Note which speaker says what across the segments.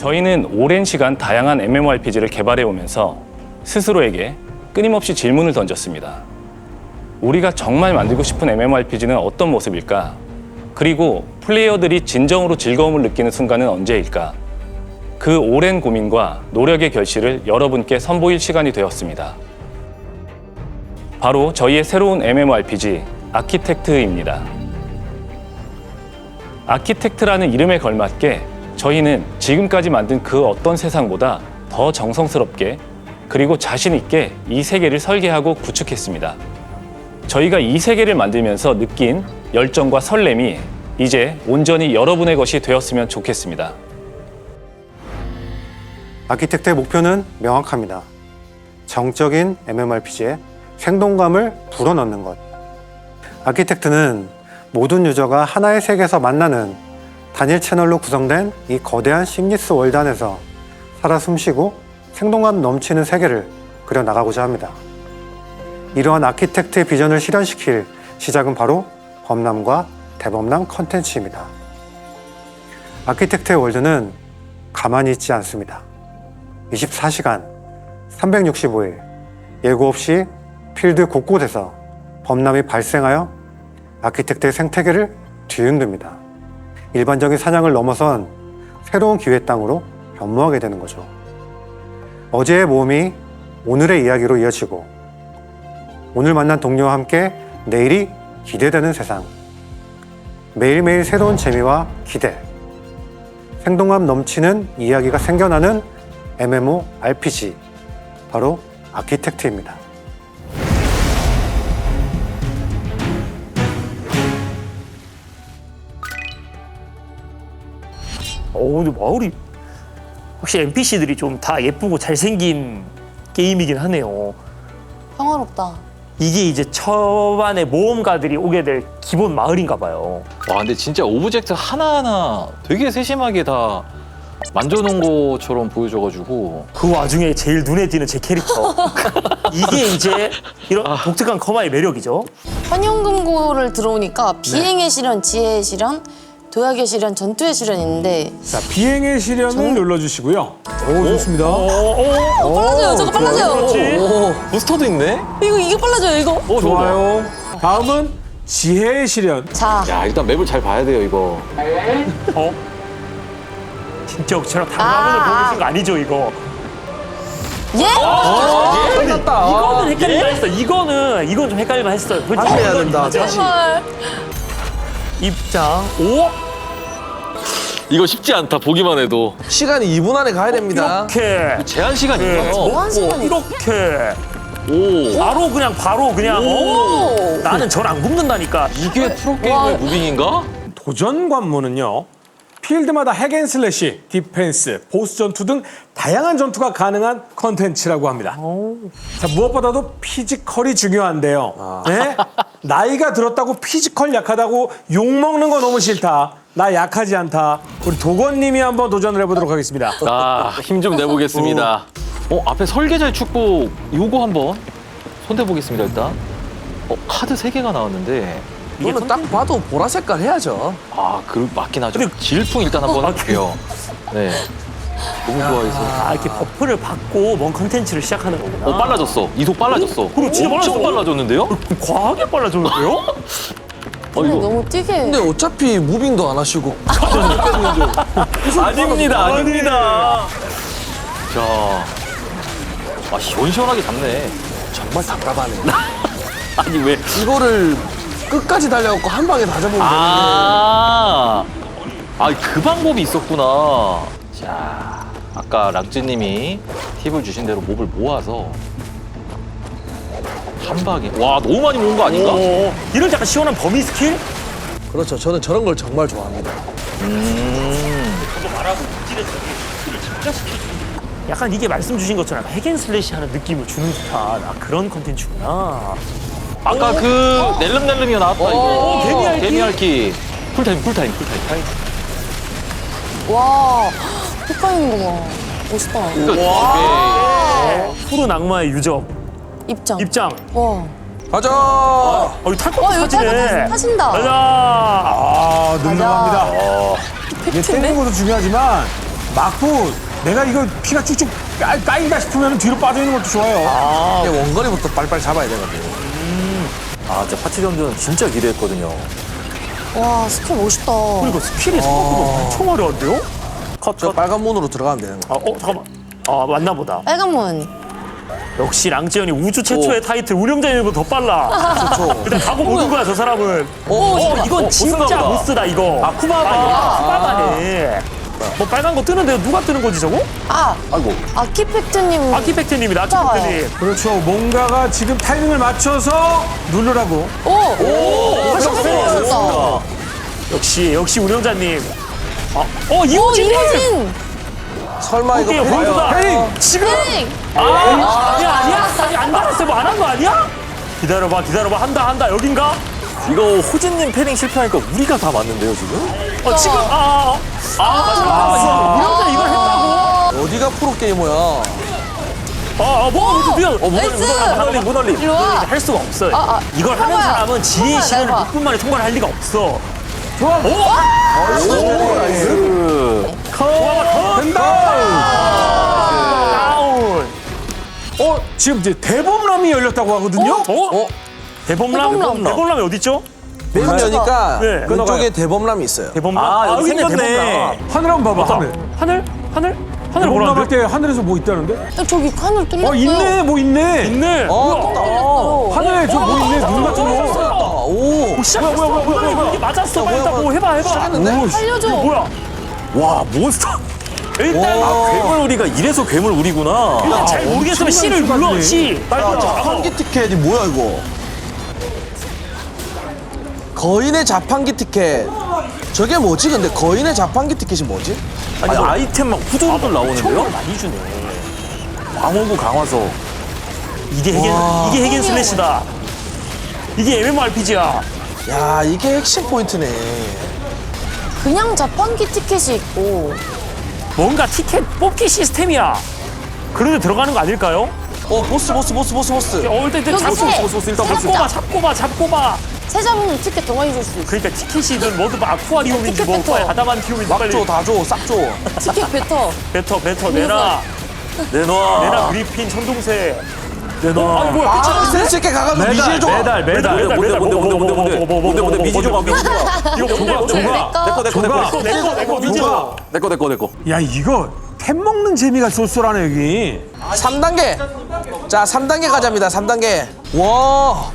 Speaker 1: 저희는 오랜 시간 다양한 MMORPG를 개발해 오면서 스스로에게 끊임없이 질문을 던졌습니다. 우리가 정말 만들고 싶은 MMORPG는 어떤 모습일까? 그리고 플레이어들이 진정으로 즐거움을 느끼는 순간은 언제일까? 그 오랜 고민과 노력의 결실을 여러분께 선보일 시간이 되었습니다. 바로 저희의 새로운 MMORPG 아키텍트입니다. 아키텍트라는 이름에 걸맞게 저희는 지금까지 만든 그 어떤 세상보다 더 정성스럽게 그리고 자신 있게 이 세계를 설계하고 구축했습니다. 저희가 이 세계를 만들면서 느낀 열정과 설렘이 이제 온전히 여러분의 것이 되었으면 좋겠습니다.
Speaker 2: 아키텍트의 목표는 명확합니다. 정적인 MMORPG에 생동감을 불어넣는 것. 아키텍트는 모든 유저가 하나의 세계에서 만나는 단일 채널로 구성된 이 거대한 심리스 월드 안에서 살아 숨쉬고 생동감 넘치는 세계를 그려나가고자 합니다. 이러한 아키텍트의 비전을 실현시킬 시작은 바로 범람과 대범람 컨텐츠입니다. 아키텍트의 월드는 가만히 있지 않습니다. 24시간, 365일, 예고 없이 필드 곳곳에서 범람이 발생하여 아키텍트의 생태계를 뒤흔듭니다. 일반적인 사냥을 넘어선 새로운 기회 땅으로 변모하게 되는 거죠. 어제의 모험이 오늘의 이야기로 이어지고 오늘 만난 동료와 함께 내일이 기대되는 세상. 매일매일 새로운 재미와 기대, 생동감 넘치는 이야기가 생겨나는 MMORPG, 바로 아키텍트입니다.
Speaker 3: 근데 마을이 확실히 NPC들이 좀 다 예쁘고 잘생긴 게임이긴 하네요.
Speaker 4: 평화롭다.
Speaker 5: 이게 이제 초반에 모험가들이 오게 될 기본 마을인가 봐요.
Speaker 6: 와, 근데 진짜 오브젝트 하나하나 되게 세심하게 다 만져놓은 것처럼 보여줘가지고.
Speaker 5: 그 와중에 제일 눈에 띄는 제 캐릭터. 이게 이제 이런 독특한 커마의 매력이죠.
Speaker 4: 환영금고를 들어오니까 비행의 시련, 지혜의 시련, 도약의 시련, 전투의 시련이 있는데
Speaker 7: 자, 비행의 시련을 눌러주시고요. 오, 좋습니다.
Speaker 4: 빨라져요. 저거 빨라져요.
Speaker 6: 부스터도 있네?
Speaker 4: 이거 빨라져요. 이거.
Speaker 7: 좋아요. 다음은 지혜의 시련.
Speaker 4: 자,
Speaker 6: 야, 일단 맵을 잘 봐야 돼요, 이거.
Speaker 5: 진짜 저랑 당화문을 보고 계신 거 아니죠, 이거?
Speaker 4: 예?
Speaker 5: 이거는 헷갈릴만 했어. 이건 좀 헷갈릴만 했어요.
Speaker 8: 다시 해야 된다. 다시.
Speaker 4: 헐.
Speaker 5: 입장. 오?
Speaker 6: 이거 쉽지 않다, 보기만 해도.
Speaker 8: 시간이 2분 안에 가야 됩니다.
Speaker 5: 이렇게.
Speaker 6: 제한 시간이 있어요.
Speaker 4: 뭐한 시간이
Speaker 5: 이렇게.
Speaker 6: 오.
Speaker 5: 바로 그냥.
Speaker 4: 오.
Speaker 5: 나는 절 안 굽는다니까.
Speaker 6: 이게 프로게이머의 무빙인가?
Speaker 7: 도전 관문은요. 필드마다 핵앤슬래시, 디펜스, 보스 전투 등 다양한 전투가 가능한 컨텐츠라고 합니다. 자, 무엇보다도 피지컬이 중요한데요. 네? 나이가 들었다고 피지컬 약하다고 욕먹는 거 너무 싫다. 나 약하지 않다. 우리 도건님이 한번 도전을 해보도록 하겠습니다.
Speaker 6: 힘 좀 내보겠습니다. 앞에 설계자의 축복 요거 한번 손대보겠습니다, 일단. 카드 3개가 나왔는데.
Speaker 8: 이거는 딱 봐도 보라 색깔 해야죠.
Speaker 6: 맞긴 하죠. 질풍 일단 한번 해볼게요. 네. 너무 좋아해서.
Speaker 5: 이렇게 버프를 받고 뭔 컨텐츠를 시작하는 거구나.
Speaker 6: 빨라졌어. 이속 빨라졌어.
Speaker 5: 그럼 진짜
Speaker 6: 엄청 빨라졌는데요?
Speaker 5: 과하게 빨라졌는데요?
Speaker 4: 근데 너무 뛰게.
Speaker 8: 근데 어차피 무빙도 안 하시고.
Speaker 6: 아닙니다. 자. 시원시원하게 잡네.
Speaker 8: 정말 답답하네.
Speaker 6: 아니, 왜.
Speaker 8: 이거를 끝까지 달려갖고 한 방에 다 잡으면
Speaker 6: 그 방법이 있었구나. 자, 아까 락즈님이 팁을 주신 대로 몹을 모아서 한 방에. 와, 너무 많이 모은 거 아닌가?
Speaker 5: 이런 약간 시원한 범위 스킬?
Speaker 8: 되는데. 그렇죠. 저는 저런 걸 정말 좋아합니다.
Speaker 5: 약간 이게 말씀 주신 것처럼 핵앤슬래시 하는 느낌을 주는 듯한 그런 컨텐츠구나.
Speaker 6: 아까 그 낼름낼름이가 나왔다, 이거.
Speaker 5: 개미알기?
Speaker 6: 개미알기. 쿨타임.
Speaker 4: 와, 휘파이는 거 봐. 멋있다.
Speaker 5: 푸른 악마의 유적.
Speaker 4: 입장.
Speaker 5: 와.
Speaker 8: 가자!
Speaker 5: 이거 탈 것
Speaker 4: 와,
Speaker 5: 같은
Speaker 4: 이거
Speaker 5: 사진이네.
Speaker 4: 타신다.
Speaker 5: 가자.
Speaker 7: 능력합니다. 이게 때리는 것도 중요하지만 막고 내가 이거 피가 쭉쭉 까인다 싶으면 뒤로 빠져 있는 것도 좋아요.
Speaker 8: 이게 원거리부터 빨리빨리 잡아야 되거든요.
Speaker 6: 아, 진짜 파티 전투는 진짜 기대했거든요.
Speaker 4: 와 스킬 멋있다.
Speaker 3: 그리고 스킬이 생각보다 엄청 화려한데요?
Speaker 8: 저 빨간 문으로 들어가면 되는 거.
Speaker 3: 잠깐만. 맞나 보다.
Speaker 4: 빨간 문.
Speaker 3: 역시 랑지연이 우주 최초의 타이틀 운영자님보다 더 빨라.
Speaker 8: 그렇죠.
Speaker 3: 일단 가고 보는 거야 저 사람은. 이건 진짜
Speaker 6: 보스인가 보다.
Speaker 3: 보스다 이거. 쿠바바네. 뭐 빨간 거 뜨는데 누가 뜨는 거지 저거?
Speaker 6: 아이고.
Speaker 4: 아키팩트님.
Speaker 3: 아키팩트님이다.
Speaker 4: 진짜요?
Speaker 3: 아키팩트님.
Speaker 7: 그렇죠. 뭔가가 지금 타이밍을 맞춰서 누르라고.
Speaker 4: 멋있다.
Speaker 3: 역시 운영자님.
Speaker 4: 오
Speaker 3: 이호진.
Speaker 4: 이호진.
Speaker 8: 설마 이거
Speaker 3: 오케이
Speaker 8: 봐요.
Speaker 3: 홀드다.
Speaker 7: 헤이!
Speaker 3: 지금.
Speaker 4: 땡.
Speaker 3: 아니야. 아니 안 달았어. 뭐 안 한 거 아니야? 기다려봐. 한다. 여긴가?
Speaker 6: 이거 호진님 패링 실패하니까 우리가 다 맞는데요, 지금?
Speaker 3: 지금 맞아. 운영자 이걸 했다고?
Speaker 8: 어디가 프로게이머야.
Speaker 4: 나이스.
Speaker 6: 무널림.
Speaker 4: 일로 와.
Speaker 3: 할 수가 없어요. 이걸 하는
Speaker 4: 봐봐요.
Speaker 3: 사람은 지혜의
Speaker 4: 봐봐요,
Speaker 3: 시간을
Speaker 4: 봐봐.
Speaker 3: 6분 만에 통과를 할 리가 없어. 다운.
Speaker 7: 지금 이제 대범람이 열렸다고 하거든요.
Speaker 3: 대범람? 대범람이 어딨죠?
Speaker 8: 맨 여니까
Speaker 3: 네.
Speaker 8: 왼쪽에 대범람이 있어요.
Speaker 3: 대범람?
Speaker 6: 여기
Speaker 3: 있네,
Speaker 6: 생겼네.
Speaker 3: 대범람.
Speaker 7: 하늘 한번 봐봐. 하늘.
Speaker 3: 하늘
Speaker 7: 대범람
Speaker 3: 뭐라는데?
Speaker 7: 할 때 하늘에서 뭐 있다는데?
Speaker 4: 저기 하늘 뚫렸어요.
Speaker 7: 있네. 뭐 있네.
Speaker 3: 있네.
Speaker 4: 뚫렸어요.
Speaker 7: 하늘에 저 뭐 있네. 눈 같은 거.
Speaker 8: 오.
Speaker 3: 뭐야. 이게 맞았어. 빨리 일단 뭐 해봐.
Speaker 8: 시작했는데?
Speaker 4: 살려줘.
Speaker 3: 뭐야?
Speaker 6: 와, 몬스터.
Speaker 3: 일단
Speaker 6: 괴물 우리가 이래서 괴물 우리구나.
Speaker 3: 잘 모르겠으면 C를 눌러. C. 빨리
Speaker 8: 자판기 티켓이 뭐야 이거? 거인의 자판기 티켓. 저게 뭐지? 근데 거인의 자판기 티켓이 뭐지?
Speaker 6: 아니, 아이템 막 후두둑 나오는데요?
Speaker 3: 많이 주네.
Speaker 6: 광호구 강화서.
Speaker 3: 이게 핵인 슬래시다. 이게 MMORPG야.
Speaker 8: 야 이게 핵심 포인트네.
Speaker 4: 그냥 자판기 티켓이 있고.
Speaker 3: 뭔가 티켓 뽑기 시스템이야. 그런데 들어가는 거 아닐까요?
Speaker 8: 보스.
Speaker 3: 일단
Speaker 4: 여기
Speaker 3: 잡고 봐.
Speaker 4: 세 잡으면 티켓 더 많이 줄 수 있어.
Speaker 3: 그러니까 티켓이든 뭐든 아쿠아리움인지
Speaker 4: 티켓
Speaker 3: 뭐
Speaker 4: 뱉어.
Speaker 3: 아다만티움인지
Speaker 8: 막
Speaker 3: 빨리
Speaker 8: 줘, 다 줘, 싹 줘.
Speaker 4: 티켓 뱉어.
Speaker 3: 뱉어 내놔.
Speaker 6: 내놔.
Speaker 3: 그리핀 천둥새 내놔. 아니 뭐야
Speaker 8: 센스 있게 가가지고 미지의 조각.
Speaker 6: 뭔데 미지 조각.
Speaker 3: 이거
Speaker 6: 내꺼.
Speaker 7: 야 이거 템 먹는 재미가 쏠쏠하네 여기.
Speaker 8: 3단계. 자, 3단계 가자입니다. 3단계. 와.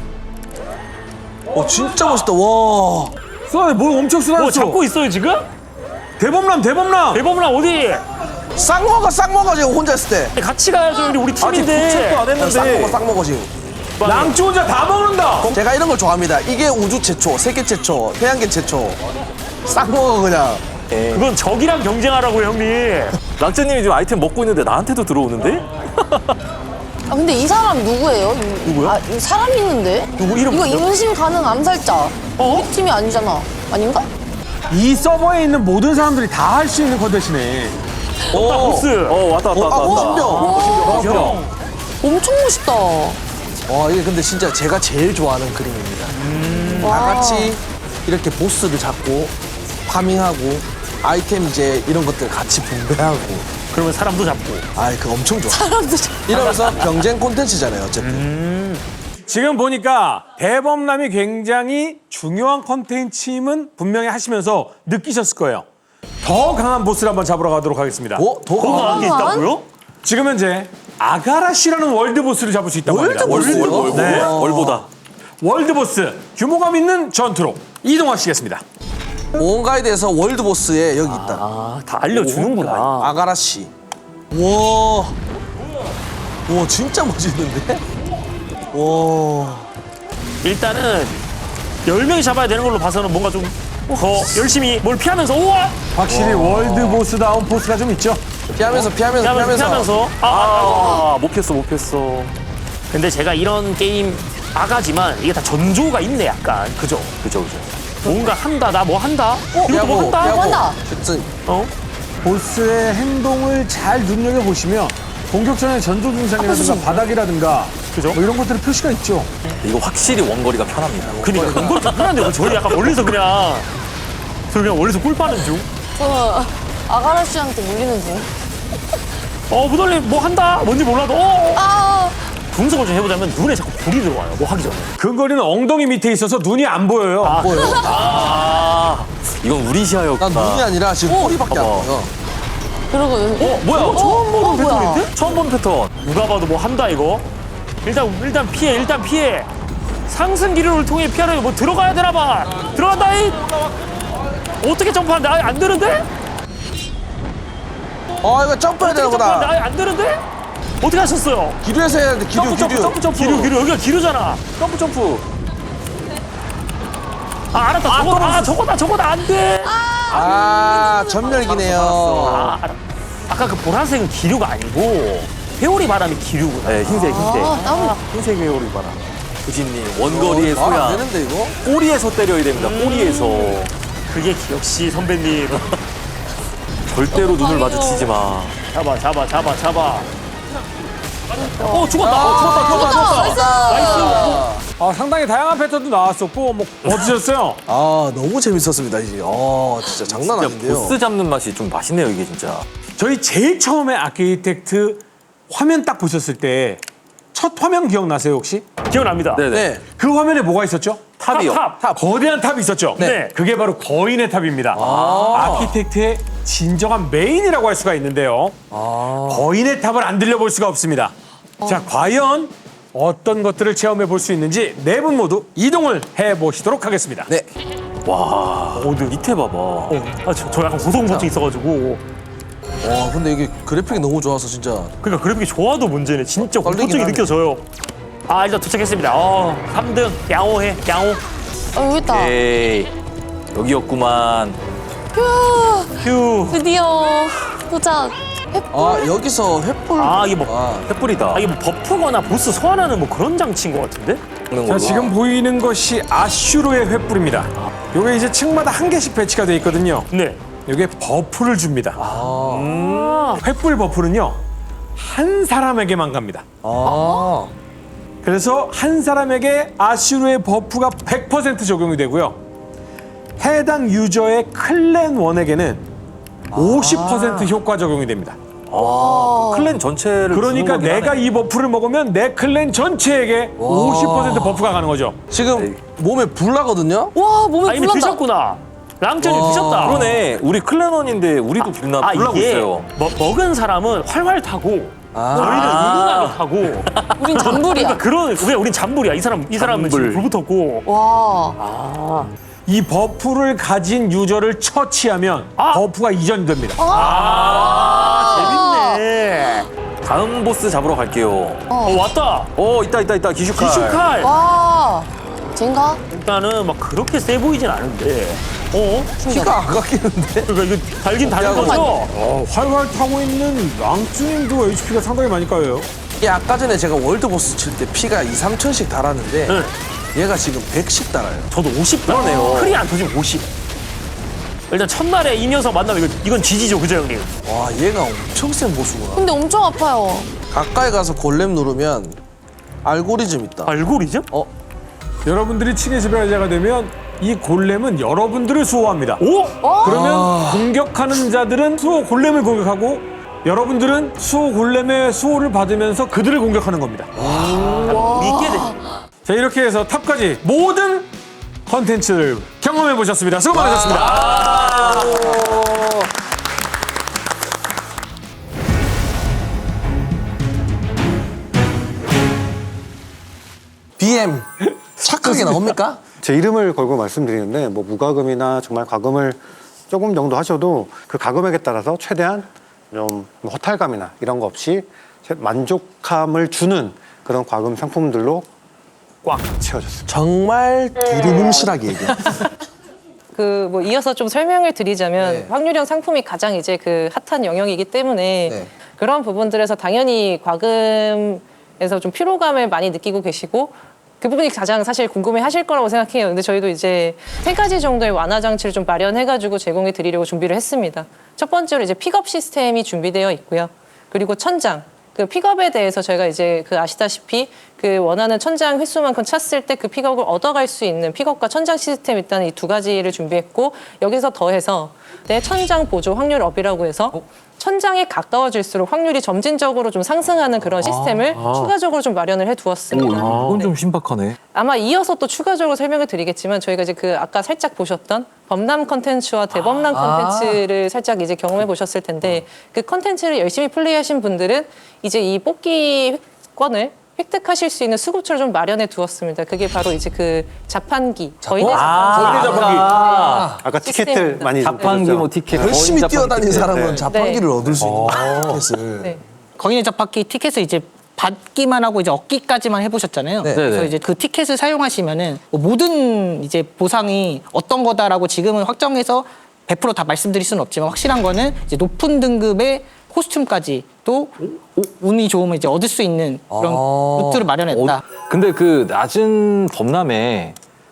Speaker 8: 진짜 멋있다. 와.
Speaker 7: 쏘네 뭘 엄청
Speaker 3: 뭐
Speaker 7: 쏘았어.
Speaker 3: 잡고 있어요 지금?
Speaker 7: 대범람.
Speaker 3: 대범람 어디?
Speaker 8: 싹 먹어 지금 혼자 있을 때.
Speaker 3: 같이 가야죠 우리 팀인데.
Speaker 6: 도착도 안 했는데.
Speaker 8: 싹 먹어 지금.
Speaker 7: 랑쥐 혼자 다 먹는다.
Speaker 8: 제가 이런 걸 좋아합니다. 이게 우주 최초, 세계 최초, 태양계 최초. 싹 먹어 그냥.
Speaker 3: 그건 적이랑 경쟁하라고 형님.
Speaker 6: 랑쯔님이 지금 아이템 먹고 있는데 나한테도 들어오는데?
Speaker 4: 근데 이 사람 누구예요? 누구요? 이 사람 있는데?
Speaker 3: 누구 이름
Speaker 4: 이거
Speaker 3: 뭐죠?
Speaker 4: 임신 가능 암살자. 우리 팀이 아니잖아. 아닌가?
Speaker 7: 이 서버에 있는 모든 사람들이 다 할 수 있는 컨텐츠네.
Speaker 3: 보스.
Speaker 6: 왔다.
Speaker 8: 신병.
Speaker 4: 엄청 멋있다.
Speaker 8: 와 이게 근데 진짜 제가 제일 좋아하는 그림입니다. 다 같이 이렇게 보스를 잡고 파밍하고 아이템 이제 이런 것들 같이 분배하고.
Speaker 3: 그러면 사람도 잡고.
Speaker 8: 그거 엄청 좋아.
Speaker 4: 사람도 잘.
Speaker 8: 이러면서 경쟁 콘텐츠잖아요 어쨌든.
Speaker 7: 지금 보니까 대범람이 굉장히 중요한 컨텐츠임은 분명히 하시면서 느끼셨을 거예요. 더 강한 보스를 한번 잡으러 가도록 하겠습니다.
Speaker 8: 더
Speaker 3: 강한 게 있다고요?
Speaker 7: 지금 현재 아가라시라는 월드 보스를 잡을 수 있다고 합니다.
Speaker 8: 네.
Speaker 6: 월보다.
Speaker 7: 월드 보스 규모감 있는 전투로 이동하시겠습니다.
Speaker 8: 온가이드에서 월드 보스에 여기 있다.
Speaker 3: 다 알려주는구나.
Speaker 8: 아가라씨. 와 진짜 멋있는데? 와.
Speaker 3: 일단은 10명이 잡아야 되는 걸로 봐서는 뭔가 좀 더 열심히 뭘 피하면서 우와!
Speaker 7: 확실히 월드 보스다운 보스가 좀 있죠.
Speaker 8: 피하면서.
Speaker 6: 못 폈어.
Speaker 3: 근데 제가 이런 게임 아가지만 이게 다 전조가 있네 약간. 그죠? 뭔가 한다 나 뭐 한다? 이것도 뭐 한다?
Speaker 4: 한다.
Speaker 8: 그치.
Speaker 7: 보스의 행동을 잘 눈여겨보시면 공격 전에 전조 증상이라든가 바닥이라든가
Speaker 3: 그죠?
Speaker 7: 뭐 이런 것들의 표시가 있죠.
Speaker 6: 이거 확실히 원거리가 편합니다.
Speaker 3: 그니까 이걸 다 편한데 저희 약간 멀리서 그냥 멀리서 꿀 빠는 중.
Speaker 4: 아가라씨한테 물리는 중.
Speaker 3: 무달님 뭐 한다? 뭔지 몰라도
Speaker 4: 아,
Speaker 3: 분석을 좀 해보자면 눈에 자꾸 불이 들어와요. 뭐 하기 전에.
Speaker 7: 근거리는 엉덩이 밑에 있어서 눈이 안 보여요.
Speaker 6: 아, 이건 우리
Speaker 8: 난
Speaker 6: 시야였구나.
Speaker 8: 눈이 아니라 지금 꼬리밖에 안
Speaker 6: 봐봐.
Speaker 8: 보여.
Speaker 4: 그리고 여기.
Speaker 6: 뭐야?
Speaker 3: 처음 보는
Speaker 4: 뭐야?
Speaker 3: 패턴인데?
Speaker 6: 처음 보는 패턴.
Speaker 3: 누가 봐도 뭐 한다 이거. 일단 피해. 상승 기류를 통해 피하려면 뭐 들어가야 되나 봐. 들어간다 이. 어떻게 점프하는데? 아예 안 되는데?
Speaker 8: 이거 점프해야 되나
Speaker 3: 점프하는데
Speaker 8: 보다.
Speaker 3: 아예 안 되는데? 어떻게 하셨어요?
Speaker 8: 기류에서 해야 돼. 기류.
Speaker 3: 기류 여기가 기류잖아.
Speaker 6: 점프.
Speaker 3: 알았다. 저거다 안 돼.
Speaker 8: 전멸기네요.
Speaker 3: 아까 그 보라색은 기류가 아니고 회오리 바람이 기류구나.
Speaker 6: 네, 흰색.
Speaker 4: 땀.
Speaker 6: 흰색 회오리 봐라. 구진님, 원거리의
Speaker 8: 말안
Speaker 6: 소양.
Speaker 8: 되는데 이거?
Speaker 6: 꼬리에서 때려야 됩니다. 꼬리에서.
Speaker 3: 그게 역시 선배님.
Speaker 6: 절대로 눈을 마주치지 마.
Speaker 3: 잡아. 죽었다.
Speaker 7: 아, 상당히 다양한 패턴도 나왔었고 뭐 어떠셨어요?
Speaker 8: 너무 재밌었습니다. 이제. 진짜 장난
Speaker 6: 진짜
Speaker 8: 아닌데요.
Speaker 6: 보스 잡는 맛이 좀 맛있네요, 이게 진짜.
Speaker 7: 저희 제일 처음에 아키텍트 화면 딱 보셨을 때 첫 화면 기억나세요 혹시?
Speaker 3: 기억납니다.
Speaker 6: 네네.
Speaker 8: 네.
Speaker 7: 그 화면에 뭐가 있었죠?
Speaker 6: 탑이요.
Speaker 3: 탑.
Speaker 7: 거대한 탑이 있었죠?
Speaker 3: 네.
Speaker 7: 그게 바로 거인의 탑입니다. 아키텍트의 진정한 메인이라고 할 수가 있는데요. 거인의 탑을 안 들려볼 수가 없습니다. 자, 과연 어떤 것들을 체험해 볼 수 있는지 네 분 모두 이동을 해보시도록 하겠습니다.
Speaker 8: 네.
Speaker 6: 와, 밑에 봐봐.
Speaker 3: 저 약간 고소공포증 있어가지고.
Speaker 8: 근데 이게 그래픽이 너무 좋아서 진짜.
Speaker 3: 그러니까 그래픽이 좋아도 문제네. 진짜
Speaker 8: 떨리긴
Speaker 3: 공포증이
Speaker 8: 하네.
Speaker 3: 느껴져요. 일단 도착했습니다. 3등 양호해.
Speaker 4: 여기 있다.
Speaker 6: 에이, 여기였구만.
Speaker 3: 휴.
Speaker 4: 드디어 도착.
Speaker 8: 여기서 횃불.
Speaker 3: 이게 뭐
Speaker 6: 횃불이다.
Speaker 3: 이게 뭐 버프거나 보스 소환하는 뭐 그런 장치인 것 같은데?
Speaker 7: 자, 지금 보이는 것이 아슈르의 횃불입니다. 요게 이제 층마다 한 개씩 배치가 되어 있거든요.
Speaker 3: 네.
Speaker 7: 요게 버프를 줍니다. 횃불 버프는요, 한 사람에게만 갑니다. 그래서 한 사람에게 아슈르의 버프가 100% 적용이 되고요. 해당 유저의 클랜 원에게는 50% 효과 적용이 됩니다.
Speaker 6: 클랜 전체를.
Speaker 7: 그러니까
Speaker 6: 주는 거긴
Speaker 7: 내가
Speaker 6: 하네.
Speaker 7: 이 버프를 먹으면 내 클랜 전체에게 50% 버프가 가는 거죠.
Speaker 8: 지금 몸에 불 나거든요?
Speaker 4: 와, 몸에
Speaker 3: 이미
Speaker 4: 불난다.
Speaker 3: 드셨구나. 랑천이 드셨다.
Speaker 6: 그러네. 우리 클랜원인데 우리도 불나고
Speaker 3: 이게
Speaker 6: 있어요.
Speaker 3: 먹은 사람은 활활 타고 저희는 은은하게 타고.
Speaker 4: 우린 잔불이야.
Speaker 3: 그러니까 우린 잔불이야. 이 사람은 지금
Speaker 6: 잔불.
Speaker 3: 불 붙었고.
Speaker 4: 와.
Speaker 7: 이 버프를 가진 유저를 처치하면 버프가 이전이 됩니다.
Speaker 3: 재밌네.
Speaker 6: 다음 보스 잡으러 갈게요.
Speaker 3: 왔다.
Speaker 6: 있다. 기슈칼.
Speaker 3: 기슈칼.
Speaker 4: 와. 젠가?
Speaker 3: 일단은 막 그렇게 세 보이진 않은데.
Speaker 8: 피가 안 깎이는데?
Speaker 3: 그러니까 이거 달긴 다른
Speaker 8: 야,
Speaker 3: 거죠?
Speaker 7: 활활 타고 있는 랑쭈님도 HP가 상당히 많이 까요.
Speaker 8: 이게 아까 전에 제가 월드보스 칠 때 피가 2, 3천씩 달았는데
Speaker 3: 네.
Speaker 8: 얘가 지금 100씩 달아요.
Speaker 3: 저도 50 그러네요. 크리 안 터지면 50. 일단 첫날에 이 녀석 만나면 이건 지지죠, 그죠 형님?
Speaker 8: 와, 얘가 엄청 센 보스구나.
Speaker 4: 근데 엄청 아파요.
Speaker 8: 가까이 가서 골렘 누르면 알고리즘 있다.
Speaker 3: 알고리즘?
Speaker 7: 여러분들이 층의 지배자가 되면 이 골렘은 여러분들을 수호합니다.
Speaker 3: 오?
Speaker 7: 그러면 공격하는 자들은 수호 골렘을 공격하고 여러분들은 수호 골렘의 수호를 받으면서 그들을 공격하는 겁니다.
Speaker 3: 믿게 돼.
Speaker 7: 자, 이렇게 해서 탑까지 모든 컨텐츠를 경험해 보셨습니다. 수고 많으셨습니다.
Speaker 8: BM 착하게 나옵니까?
Speaker 2: 제 이름을 걸고 말씀드리는데 뭐 무과금이나 정말 과금을 조금 정도 하셔도 그 과금액에 따라서 최대한 좀 허탈감이나 이런 거 없이 만족감을 주는 그런 과금 상품들로 꽉 채워졌습니다.
Speaker 8: 정말 두루뭉실하게 얘기해.
Speaker 9: 그 뭐 이어서 좀 설명을 드리자면
Speaker 8: 네.
Speaker 9: 확률형 상품이 가장 이제 그 핫한 영역이기 때문에
Speaker 8: 네.
Speaker 9: 그런 부분들에서 당연히 과금에서 좀 피로감을 많이 느끼고 계시고 그 부분이 가장 사실 궁금해하실 거라고 생각해요. 근데 저희도 이제 3가지 정도의 완화 장치를 좀 마련해가지고 제공해 드리려고 준비를 했습니다. 첫 번째로 이제 픽업 시스템이 준비되어 있고요. 그리고 천장, 그 픽업에 대해서 저희가 이제 그 아시다시피 그 원하는 천장 횟수만큼 찼을 때 그 픽업을 얻어갈 수 있는 픽업과 천장 시스템 일단 이 두 가지를 준비했고 여기서 더해서 내 천장 보조 확률 업이라고 해서 천장에 가까워질수록 확률이 점진적으로 좀 상승하는 그런 시스템을 추가적으로 좀 마련을 해두었습니다.
Speaker 6: 이건
Speaker 9: 네.
Speaker 6: 좀 신박하네.
Speaker 9: 아마 이어서 또 추가적으로 설명을 드리겠지만 저희가 이제 그 아까 살짝 보셨던 범람 컨텐츠와 대범람 컨텐츠를 살짝 이제 경험해 보셨을 텐데 그 컨텐츠를 열심히 플레이하신 분들은 이제 이 뽑기권을 획득하실 수 있는 수급처를 좀 마련해 두었습니다. 그게 바로 이제 그 자판기, 거인의 자판기.
Speaker 2: 아까 티켓들 많이
Speaker 6: 자판기
Speaker 2: 보셨죠?
Speaker 6: 뭐 티켓
Speaker 8: 열심히
Speaker 6: 거인
Speaker 8: 뛰어다니는
Speaker 6: 자판기
Speaker 8: 사람은
Speaker 2: 네.
Speaker 8: 자판기를 얻을 수 있는 티켓을.
Speaker 9: 네.
Speaker 10: 거인의 자판기 티켓을 이제 받기만 하고 이제 얻기까지만 해보셨잖아요.
Speaker 8: 네.
Speaker 10: 그래서
Speaker 6: 네네.
Speaker 10: 이제 그 티켓을 사용하시면은 뭐 모든 이제 보상이 어떤 거다라고 지금은 확정해서 100% 다 말씀드릴 수는 없지만 확실한 거는 이제 높은 등급의 코스튬까지 또 운이 좋으면 이제 얻을 수 있는 그런 루트를 마련했다.
Speaker 6: 근데 그 낮은 범람에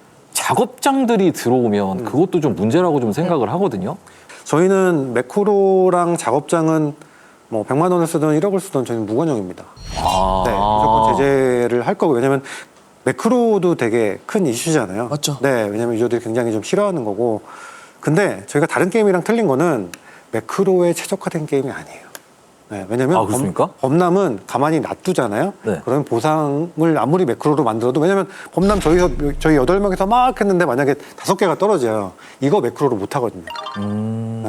Speaker 6: 작업장들이 들어오면 그것도 좀 문제라고 좀 생각을 하거든요.
Speaker 2: 저희는 매크로랑 작업장은 뭐 100만 원을 쓰든 1억을 쓰든 저희는 무관용입니다.
Speaker 6: 아.
Speaker 2: 네, 무조건 제재를 할 거고 왜냐면 매크로도 되게 큰 이슈잖아요.
Speaker 8: 맞죠.
Speaker 2: 네, 왜냐면 유저들이 굉장히 좀 싫어하는 거고. 근데 저희가 다른 게임이랑 틀린 거는 매크로에 최적화된 게임이 아니에요. 네, 왜냐면
Speaker 6: 아, 그렇습니까?
Speaker 2: 범람은 가만히 놔두잖아요.
Speaker 6: 네.
Speaker 2: 그러면 보상을 아무리 매크로로 만들어도 왜냐면 범람 저희 8명이서 막 했는데 만약에 5개가 떨어져요. 이거 매크로로 못 하거든요. 네.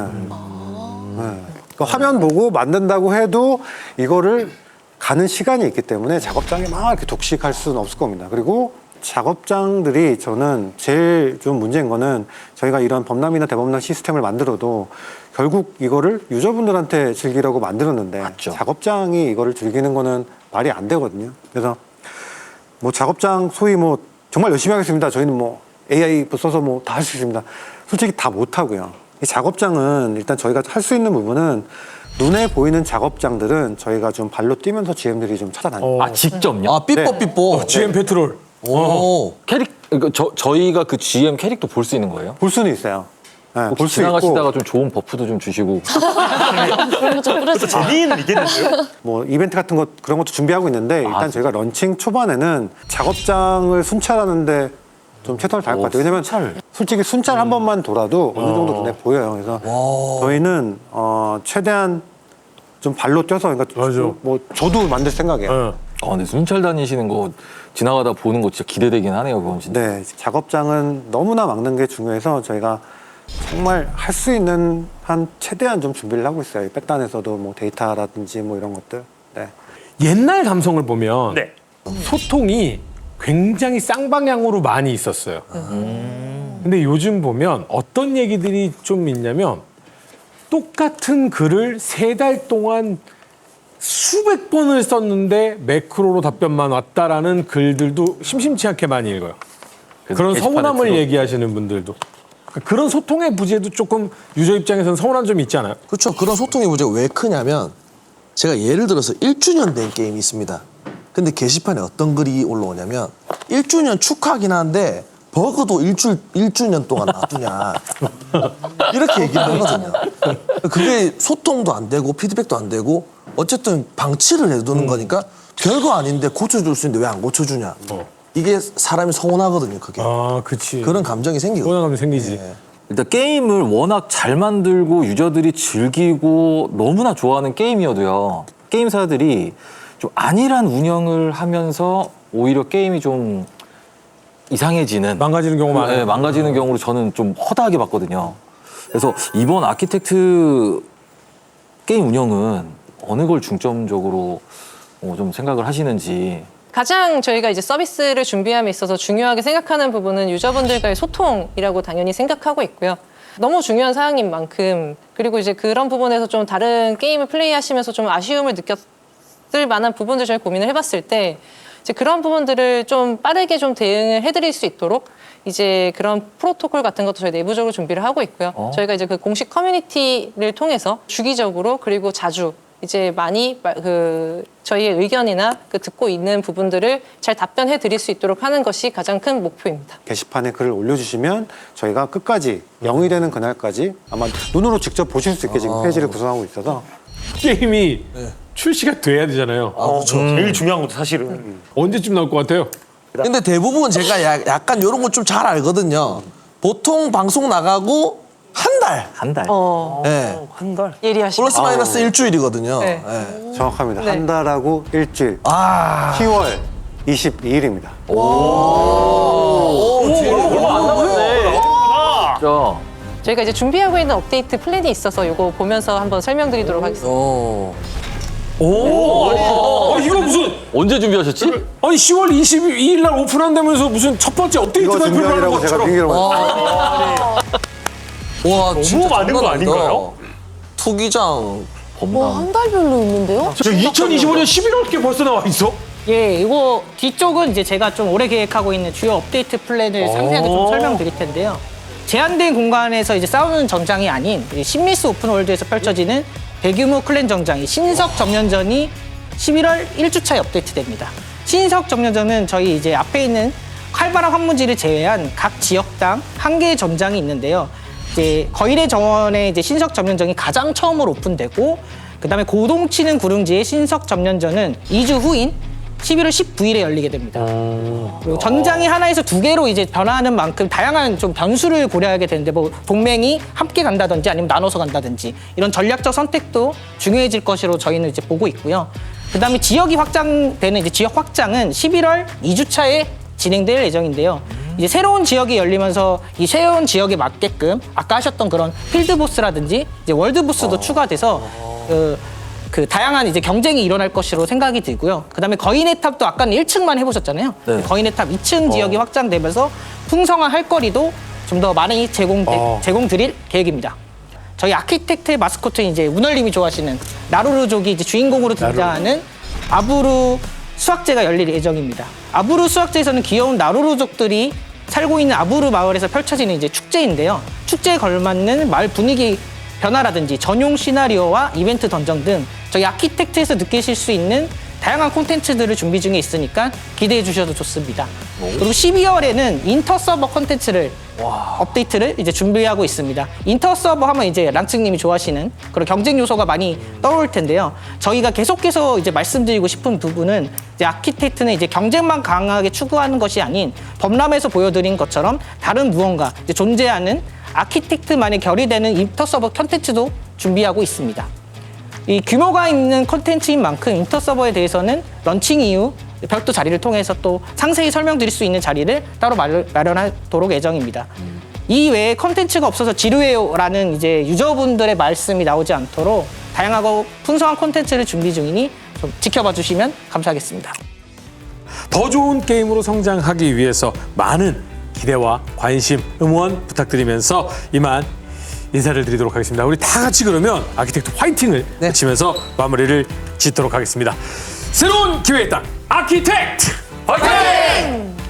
Speaker 2: 그러니까 화면 보고 만든다고 해도 이거를 가는 시간이 있기 때문에 작업장에 막 이렇게 독식할 수는 없을 겁니다. 그리고 작업장들이 저는 제일 좀 문제인 거는 저희가 이런 범람이나 대범람 시스템을 만들어도 결국 이거를 유저분들한테 즐기라고 만들었는데
Speaker 6: 맞죠.
Speaker 2: 작업장이 이거를 즐기는 거는 말이 안 되거든요. 그래서 뭐 작업장 소위 뭐 정말 열심히 하겠습니다. 저희는 뭐 AI 써서 뭐 다 할 수 있습니다. 솔직히 다 못 하고요. 이 작업장은 일단 저희가 할 수 있는 부분은 눈에 보이는 작업장들은 저희가 좀 발로 뛰면서 GM들이 좀 찾아다니고
Speaker 6: 아 직접요?
Speaker 8: 아, 삐뽀삐뽀.
Speaker 7: GM 페트롤.
Speaker 8: 오.
Speaker 6: 캐릭 그러니까 저희가 그 GM 캐릭터 볼 수 있는 거예요?
Speaker 2: 볼 수는 있어요. 네, 볼 수
Speaker 6: 지나가시다가
Speaker 2: 있고
Speaker 6: 좀 좋은 버프도 좀 주시고.
Speaker 4: 그런 거좀 뿌려주세요.
Speaker 5: 재미는 있겠는데요?
Speaker 2: 뭐 이벤트 같은 것 그런 것도 준비하고 있는데 일단 저희가 런칭 초반에는 작업장을 순찰하는데 좀 최선을 다할 것 같아요. 왜냐면 솔직히 순찰 한 번만 돌아도 어느 정도 눈에 보여요. 그래서 저희는 최대한 좀 발로 뛰어서 그러니까
Speaker 7: 맞아.
Speaker 2: 뭐 저도 만들 생각이에요.
Speaker 6: 근데 순찰 다니시는 거 지나가다 보는 거 진짜 기대되긴 하네요, 그건 진짜.
Speaker 2: 네, 작업장은 너무나 막는 게 중요해서 저희가 정말 할 수 있는 한 최대한 좀 준비를 하고 있어요. 백단에서도 뭐 데이터라든지 뭐 이런 것들. 네.
Speaker 7: 옛날 감성을 보면
Speaker 5: 네.
Speaker 7: 소통이 굉장히 쌍방향으로 많이 있었어요. 근데 요즘 보면 어떤 얘기들이 좀 있냐면 똑같은 글을 3달 동안 수백 번을 썼는데 매크로로 답변만 왔다라는 글들도 심심치 않게 많이 읽어요.
Speaker 6: 그래서
Speaker 7: 그런
Speaker 6: 게시판에
Speaker 7: 서운함을
Speaker 6: 들어-
Speaker 7: 얘기하시는 분들도. 그런 소통의 부재도 조금 유저 입장에서는 서운한 점이 있지 않아요?
Speaker 8: 그렇죠. 그런 소통의 문제가 왜 크냐면 제가 예를 들어서 1주년 된 게임이 있습니다. 근데 게시판에 어떤 글이 올라오냐면 1주년 축하하긴 한데 버그도 1주년 동안 놔두냐 이렇게 얘기를 하거든요. 그게 소통도 안 되고 피드백도 안 되고 어쨌든 방치를 해두는 거니까 별거 아닌데 고쳐줄 수 있는데 왜 안 고쳐주냐. 이게 사람이 서운하거든요. 그게.
Speaker 7: 아, 그치.
Speaker 8: 그런 감정이 생기고.
Speaker 7: 서운함이 생기지.
Speaker 6: 일단 게임을 워낙 잘 만들고 유저들이 즐기고 너무나 좋아하는 게임이어도요. 게임사들이 좀 안일한 운영을 하면서 오히려 게임이 좀 이상해지는
Speaker 7: 망가지는 경우가 많아요.
Speaker 6: 네, 망가지는 경우로 저는 좀 허다하게 봤거든요. 그래서 이번 아키텍트 게임 운영은 어느 걸 중점적으로 좀 생각을 하시는지.
Speaker 9: 가장 저희가 이제 서비스를 준비함에 있어서 중요하게 생각하는 부분은 유저분들과의 소통이라고 당연히 생각하고 있고요. 너무 중요한 사항인 만큼 그리고 이제 그런 부분에서 좀 다른 게임을 플레이하시면서 좀 아쉬움을 느꼈을 만한 부분들 저희 고민을 해봤을 때 이제 그런 부분들을 좀 빠르게 좀 대응을 해드릴 수 있도록 이제 그런 프로토콜 같은 것도 저희 내부적으로 준비를 하고 있고요. 저희가 이제 그 공식 커뮤니티를 통해서 주기적으로 그리고 자주 이제 많이 그 저희의 의견이나 그 듣고 있는 부분들을 잘 답변해 드릴 수 있도록 하는 것이 가장 큰 목표입니다.
Speaker 2: 게시판에 글을 올려주시면 저희가 끝까지 0이 되는 그날까지 아마 눈으로 직접 보실 수 있게 지금 페이지를 구성하고 있어서
Speaker 7: 게임이 출시가 돼야 되잖아요.
Speaker 5: 그렇죠. 제일 중요한 것도 사실은.
Speaker 7: 언제쯤 나올 것 같아요?
Speaker 8: 근데 대부분 제가 약간 이런 거 좀 잘 알거든요. 보통 방송 나가고 한 달.
Speaker 6: 한 달.
Speaker 8: 네.
Speaker 5: 한 달.
Speaker 9: 예리하시다.
Speaker 8: 플러스 마이너스 일주일이거든요.
Speaker 9: 네.
Speaker 8: 네.
Speaker 2: 정확합니다.
Speaker 9: 네.
Speaker 2: 한 달하고 일주일.
Speaker 8: 아.
Speaker 2: 10월 22일입니다.
Speaker 6: 자,
Speaker 9: 저희가 이제 준비하고 있는 업데이트 플랜이 있어서 이거 보면서 한번 설명드리도록 하겠습니다.
Speaker 7: 이거 무슨
Speaker 6: 언제 준비하셨지?
Speaker 7: 아니 10월 22일 날 오픈한다면서 무슨 첫 번째 업데이트
Speaker 2: 이거
Speaker 7: 발표를 하는
Speaker 2: 준비하느라고 제가
Speaker 7: 것처럼.
Speaker 2: 핑계를 맞
Speaker 8: 와, 진짜
Speaker 5: 많은 거
Speaker 8: 장난 아니다.
Speaker 5: 아닌가요?
Speaker 8: 투기장.
Speaker 4: 와, 한 달별로 있는데요?
Speaker 7: 2025년 11월께 벌써 나와 있어?
Speaker 10: 예, 이거 뒤쪽은 이제 제가 좀 오래 계획하고 있는 주요 업데이트 플랜을 상세하게 좀 설명드릴 텐데요. 제한된 공간에서 이제 싸우는 전장이 아닌 신미스 오픈월드에서 펼쳐지는 대규모 클랜 전장이 신석 점령전이 11월 1주차에 업데이트됩니다. 신석 점령전은 저희 이제 앞에 있는 활발한 황무지를 제외한 각 지역당 한 개의 전장이 있는데요. 이제 거일의 정원의 이제 신석 점령전이 가장 처음으로 오픈되고, 그다음에 고동치는 구릉지의 신석 점령전은 2주 후인 11월 19일에 열리게 됩니다. 그리고 전장이 하나에서 두 개로 이제 변화하는 만큼 다양한 좀 변수를 고려하게 되는데, 뭐 동맹이 함께 간다든지 아니면 나눠서 간다든지 이런 전략적 선택도 중요해질 것으로 저희는 이제 보고 있고요. 그다음에 지역이 확장되는 이제 지역 확장은 11월 2주차에 진행될 예정인데요. 이제 새로운 지역이 열리면서 이 새로운 지역에 맞게끔 아까 하셨던 그런 필드보스라든지 이제 월드보스도 추가돼서 그 다양한 이제 경쟁이 일어날 것으로 생각이 들고요. 그다음에 거인의 탑도 아까는 1층만 해보셨잖아요.
Speaker 6: 네.
Speaker 10: 거인의 탑 2층 지역이 확장되면서 풍성한 할 거리도 좀 더 많이 제공드릴 계획입니다. 저희 아키텍트의 마스코트인 이제 운월님이 좋아하시는 나루루족이 이제 주인공으로 등장하는 아부루 수학제가 열릴 예정입니다. 아부루 수학제에서는 귀여운 나루루족들이 살고 있는 아부루 마을에서 펼쳐지는 이제 축제인데요. 축제에 걸맞는 마을 분위기 변화라든지 전용 시나리오와 이벤트 던전 등 저희 아키텍트에서 느끼실 수 있는 다양한 콘텐츠들을 준비 중에 있으니까 기대해 주셔도 좋습니다. 그리고 12월에는 인터 서버 콘텐츠를 업데이트를 이제 준비하고 있습니다. 인터 서버 하면 이제 란츠님이 좋아하시는 그런 경쟁 요소가 많이 떠오를 텐데요. 저희가 계속해서 이제 말씀드리고 싶은 부분은 이제 아키텍트는 이제 경쟁만 강하게 추구하는 것이 아닌 범람에서 보여드린 것처럼 다른 무언가 이제 존재하는 아키텍트만의 결의되는 인터 서버 콘텐츠도 준비하고 있습니다. 이 규모가 있는 콘텐츠인 만큼 인터 서버에 대해서는 런칭 이후 별도 자리를 통해서 또 상세히 설명드릴 수 있는 자리를 따로 마련하도록 예정입니다. 이 외에 콘텐츠가 없어서 지루해요라는 이제 유저분들의 말씀이 나오지 않도록 다양하고 풍성한 콘텐츠를 준비 중이니 좀 지켜봐 주시면 감사하겠습니다.
Speaker 7: 더 좋은 게임으로 성장하기 위해서 많은 기대와 관심, 응원 부탁드리면서 이만 인사를 드리도록 하겠습니다. 우리 다 같이 그러면 아키텍트 화이팅을 외치면서 마무리를 짓도록 하겠습니다. 새로운 기회의 땅 아키텍트 화이팅!